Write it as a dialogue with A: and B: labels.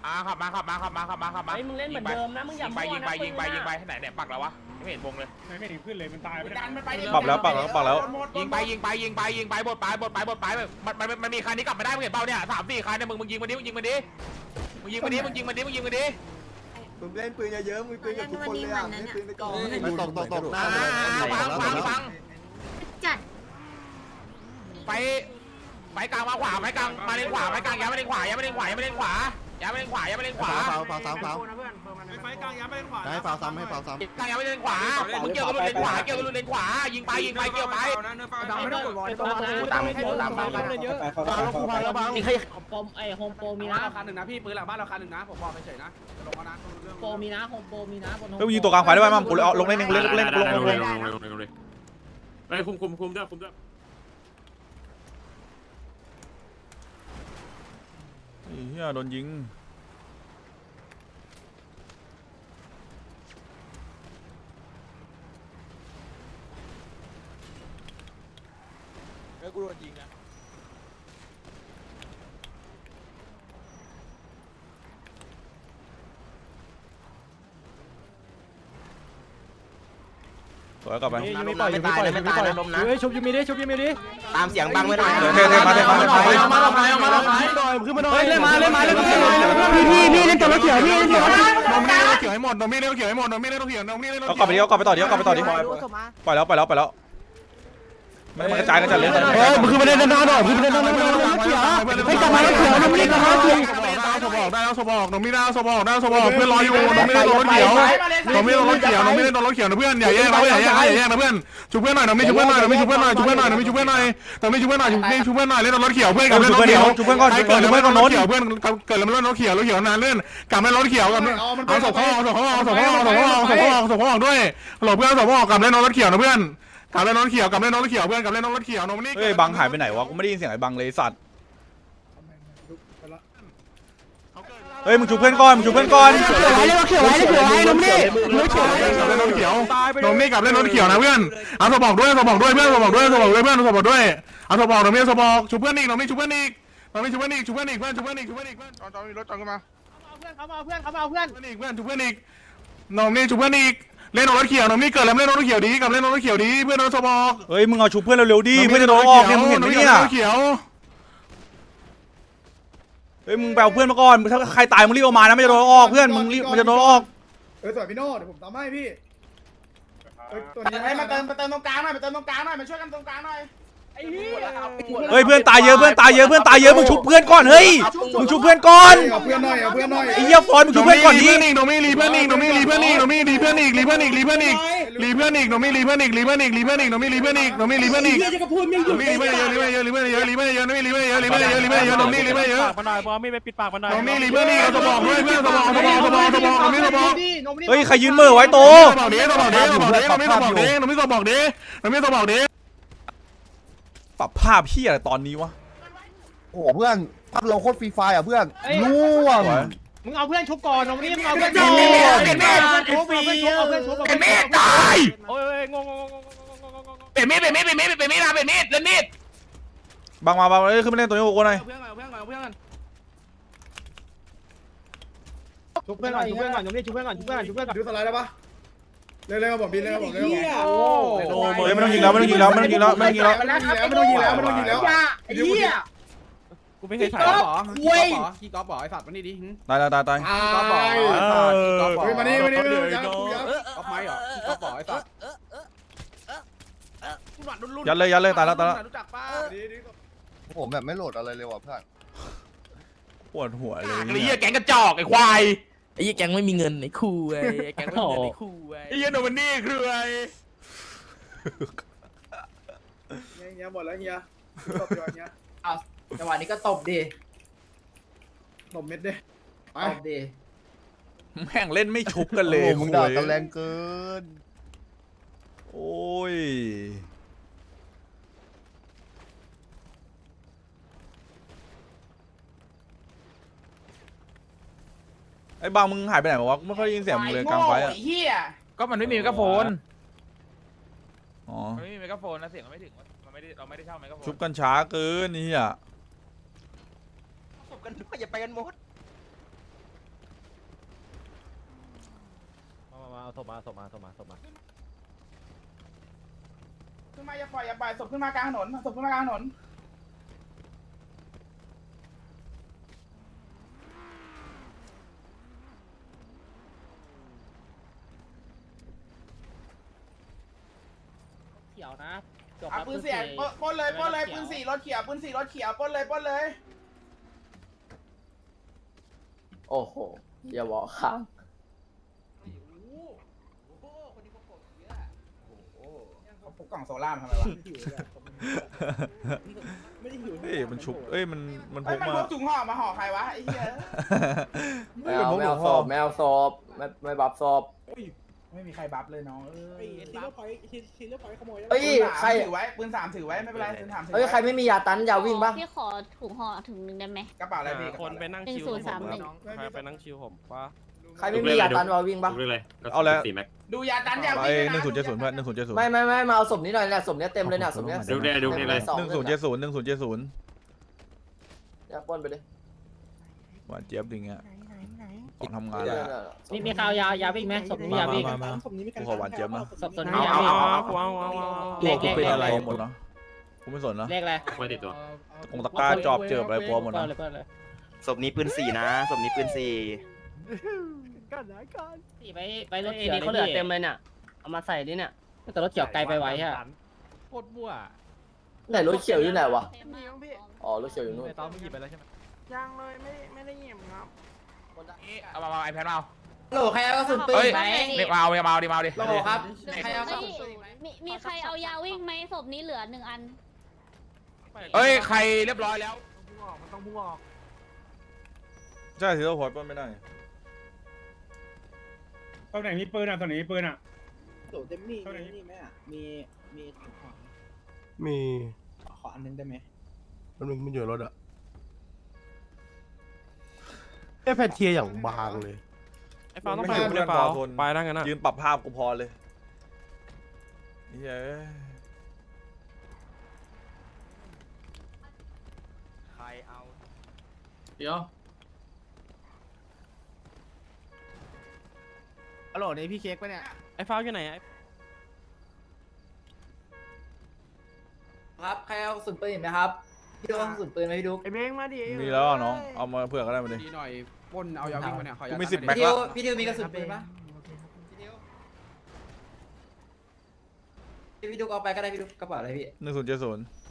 A: ขับมา
B: ไอ้มึงเล่นเหมือนเดิมนะมึงอย่ามั่วนะยิงไปไหนเนี่ยปักแล้ววะไม่เห็นวงเลย
C: ไม่ถึงขึ้นเลยมันตายไป
D: ปักแล้ว
A: ยิงไปบดมันมีคันนี้กลับมาได้มึงเห็นเปล่าเนี่ย3-4คันเนี่ยมึงยิงมาดิมึงยิงมาดิมึง
E: เล่นปืนเยอะๆมึงปืนกับทุกคนเลยอ่ะเล่นปืนไปก่อนตกหน้า
A: ฟัง
F: จัด
A: ไปกลางมาขวาไปกลางมาเลนขวาไปกลางย้ายมาเลนขวาฟาว
E: ไฟกลางย้ำไปเล่นขวาให้ฟาวซ้ำให้ฟาวซ้ำ
A: กลางย้ายมาเลนขวามึงเกี่ยวกับเลนขวายิงไปเกี่ยวไป
B: มีใครปมไอ้โฮมโปรมีนะ
C: เราคันหนึ่งนะพี่ปืนหลังบ้านเราคันหนึ่งนะผมบอกเฉยๆนะลงมานะ
B: โปรมีนะโฮมโปรมีนะบน
D: เฮ้ยยิงตัวกลางไฟได้ไหมมั่งกูเอาลงเล่นลง
C: ไปคุมด้วย
D: เฮียโดนยิง
A: กูโดนยิงนะ
D: สวยกลับไป
E: ไม่ปล่อยไม่ตายไม่ตายลมนะ
B: เฮ้ยชุบยูมีดิ
E: ตามเสียงบังไว้หน่อย
D: เท่มา
B: เล่นพี่เล่นตัวรถเขียวพี่เล่นตัวรถ
D: เอากลับไปต่อดิปล่อยแล้วมันกระจายกันจัดเลย
B: มึงคือประเด็นด้านหน่อยคือประเด็นด้านหน่อยเขียวให้กลับมาเขียวน้ำมันกลับมาเขียว
D: เพื่อนรออยู่น้องไม่ได้โดนรถเขียวน้องไม่ได้โดนรถเขียวนะเพื่อนอย่าแย่งนะเพื่อนชุบเพื่อนหน่อยน้องไม่ชุบเพื่อนหน่อยเล่นรถเขียวเพื่อนกับเล่นรถเขียวชุบเพื่อนก่อนโน้ตเขียวเพื่อนเกิดแล้วรถเขียวนานเล่นกับเล่นรถเขียวกับเอาศพเขาด้วยหลบเพื่อนศพเขากับเล่นรถเขียวนะเพื่อนกับเล่นรถเขียวเพื่อนกับเล่นรถเขียวน้องนี่เฮ้ยบังหายไปไหนวะกูไม่ได้ยินเสียงไอ้บังเลยสัตว์เฮ้ยมึงชูเพื่อนก่อนน้องนี่กับเล่นรถเขียวนะเพื่อนเอาสบอกด้วยเพื่อนเอาสบอกด้วยเอาสบอกน้องนี่สบอกชูเพื่อนอีกน้องนี่ชูเพื่อนอีกเพื่อนจอนมีรถจอนขึ้นมา
B: เขามาเพื่อน
D: เพื่อนชูเพื่อนอีกน้องนี่ชูเพื่อนอีกเล่นรถเขียวน้องนี่เกิดแล้วเล่นรถเขียวดีกับเล่นรถเขียวดีเพื่อนเอาสบอกเฮ้ยมึงเอาชูเพื่อนเร็วๆดิเพื่อนจะโดนออกเนี่ยมึงเห็นไหมเนี่ยเฮ้ยมึงแปลเพื่อนมาก่อนถ้าใครตายมึงรีบออกมานะไม่จะโดนออกเพื่อนมึงรีบมันจะโดนออก
E: สวยพี่โน่เดี๋ยวผมทำให้พี่ตัวนี้
A: ให้มาเติมตรงกลางหน่อยมาช่วยกันตรงกลางหน่อย
D: เฮ้ยเพื่อนตายเยอะมึงชุบเพื่อนก่อนเฮ้ยมึงชุบเพื่อนก่อน
E: เอาเพื่อนหน่อย
D: ไอ้เหี้ยฟอนมึงชุบเพื่อนก่อนดิ
E: น้องมีรีเพื่อนอีกน้องมีรีเพื่อนอีกน้องมีรีเพื่อนอีกน้องมีรีเพื่อนอีกน้องมีรีเพื่อนอีกสบอกด้วยเพื่อนสบอก
D: เฮ้ยใครยืนมือไว้โตปรับภาพพี่อะไรตอนนี้วะ
E: โอ้เพื่อนภาพเราโคตรฟรีไฟอ่ะเพื่อนล่วง
B: มึงเอาเพื่อนชุบก่อนน้องนี่มึงเอาเพื่อน
A: ตาย
B: โอ้ยงง
A: เป็นมีดเล่นมีด
D: บังมาขึ้นมาเล่นตัวนี้โอ้โหหน่อย
B: ชุบเพื่อนก่อนน้องนี่ชุบเพื่อนก่อน
E: ดูสไลด์ได้ปะเร็วๆบอกบินเร็วบอกเร็ว
D: ไม่ต้องยิงแล้ว
E: ไอ้เหี้ย
C: กูไม่เคยถ่ายหรอขี้กอล์ฟบ่ไอ้สัตว์มานี่ดิ
D: ตาย
E: มานี่
C: กอล์ฟไม้เหรอขี้กอล์ฟบ่ไอ้สัตว์
D: ยัดเลยตายแล้ว
E: ผมแบบไม่โหลดอะไรเลยว่ะเพื่อน
D: ปวดหัวเลย
A: ไอ้เหี้ยแก๊งกระจอกไอ้ควาย
B: ไอ้แก๊งไม่มีเงินไอ้คู่ไอ้แก๊งไม่มีเงินไอ้คู่
A: ไอ้เหี้ยโนมันนี่คือไอ้
E: เงี้ยหมดแล้วเงี้ยตบเงี้ย
B: จังหวะนี้ก็ตบดิ
E: ตบเม็ดดิ
B: ตบดิ
D: แม่งเล่นไม่ชุบกันเลย
E: มึงด่ากันแรงเกิน
D: โอ้ยไอ้บางมึงหายไปไหนวะไม่ค่อยยินเสียงมึงเลยกลางไฟอ่ะ
A: ก็มันไม่มีไมโครโฟน
D: อ๋อ
A: ไม่มีไมโครโฟนนะเสียงมันไม่ถึงเราไม่ได้เช่าไมโครโฟน
D: ชุบกันช้าเกินนี่อ่ะ
A: ศพกันอย่าไปกันหมด
B: มาศพมา
F: ขึ้นมาอย่าปล่อยศพขึ้นมากลางถนนศพขึ้นมากลางถนน
B: เขียวนะ
F: เอาปืนเสียปล้นเลยปืนสี่รถเขียวปล้นเลย
G: โอ้โหอย่าบอกข้าง
F: เขาพกกล่องโซล่ามาทำไมวะ
E: เอ้ยมันชุบเอ้ยมันพ
F: เอ้ย
E: ก
F: มัน
E: มา
F: พกถุงห่อมาห่อใครวะไอ้เหี้ย
G: ไม่เอาศพไม่บับศพ
F: ไม่มีใครบัฟเลยน้อง
C: ซีโร่พอยต์ซีโร่พอยต์ขโมย
G: เอ้ยใคร
F: ถือไว้ปืน3ถือไว้ไม่เป็นไรปืน3ถือ
G: เอ้ยใครไม่มียาตันยาวิ่งปะ
H: พี่ขอถุงห่อถุงหนึ่งได้ไหม
F: กระเป๋าอะไรพี่
C: คนไปนั่งชิวไปนั่งชิวผมปะ
G: ใครไม่มียาตันยาวิ่งปะ
E: เอาแล้ว
F: ดูยาตันยา
E: ไอ้
F: วิ่ง
E: 1070เพื่อน1070
G: ไม่มาเอาศพนี้หน่อยแหละศพนี้เต็มเลยเนี่ยศพนี้
D: ดูนี่เลย
G: 1070อยากปล้นไปดิ
E: หวานเจี๊ยบดิงอ่ะออกทำงานเลย
B: มีข่าวยาวิ่งไหมศพนี้ยาวิ่ง
E: กูขอหวานเจี๊ยบนะ
B: ศพนี้ยาวิ่ง
E: ตัวกูเป็นอะไรหมดเนาะกูไม่สนนะ
B: เลขอะไร
A: ไม่ติดตัว
E: ตรงตะกร้าจอบเจิบอะไรกลัวหมดนะ
B: เลย
I: ศพนี้ปืน4นะศพนี้ปืน4
B: ไปรถเอดีเขาเหลือเต็มเลยเนี่ยเอามาใส่ดิเนี่ยแต่รถเขียวไกลไปไว้ฮะ
C: โคตรมั่ว
G: ไหนรถเขียวอยู่ไหนวะ
H: มีมั้งพี่
G: อ๋อรถเขียวอยู่นู่น
C: ตอนมึงหยิบไปแล้วใช่ไหม
J: ยังเลยไม่ได้เงียบครับ
A: เอามาไอแพดมา
G: โหลใครเอากระสุนปืน
A: เฮ้ย
G: ไหม
A: เรียกมาเอาดิ
G: โหลครับ
H: ใครเอามีใครเอายาวิ่งไหมศพนี้เหลือ1 อัน
A: เอ้ยใครเรียบร้อยแล้ว
J: มันต้องพุ่งออก
E: ใช่ถือว่าพอดป้นไม่ได้
J: ตอนไหนมีปืนอ่ะตอนไหนมีปืนอ่ะ
C: โหลเต็มนี่นี่ไหมอ่ะมีถุงห่อ
E: มี
C: ขออันนึงได้ไหม
E: มันอยู่รถอ่ะ
J: แพนเทียอย่างบางเลย
C: ไอ้ฟ้าต้องไปเลยเปล่าไปได้กันนะ
E: ยืนปรับภาพกูพอเลยเฮ้ย
I: ใครเอา
A: เดี๋ยว
C: ฮัลโหลนี่พี่เค้กปะเนี่ยไอ้ฟ้าอยู่ไหนไอ้
G: ครับใครเอากระสุนปืนไหมครับพี่ดูเอากระสุนปืนไหมพี่ดู
J: ไอ้เม้งมาดิ
E: มีแล้วน้องเอามาเผื่อก็ได้มาดิ
C: ดีหน่อยปนเอายาวิ่งมาเนี่ย
E: กูมี10แม็ก
G: พี่ดิวมีกระสุนปืนปะพี่ดิวเอาไปก็ได้พี่ดูกระเป๋าอะไรพี่
E: 1070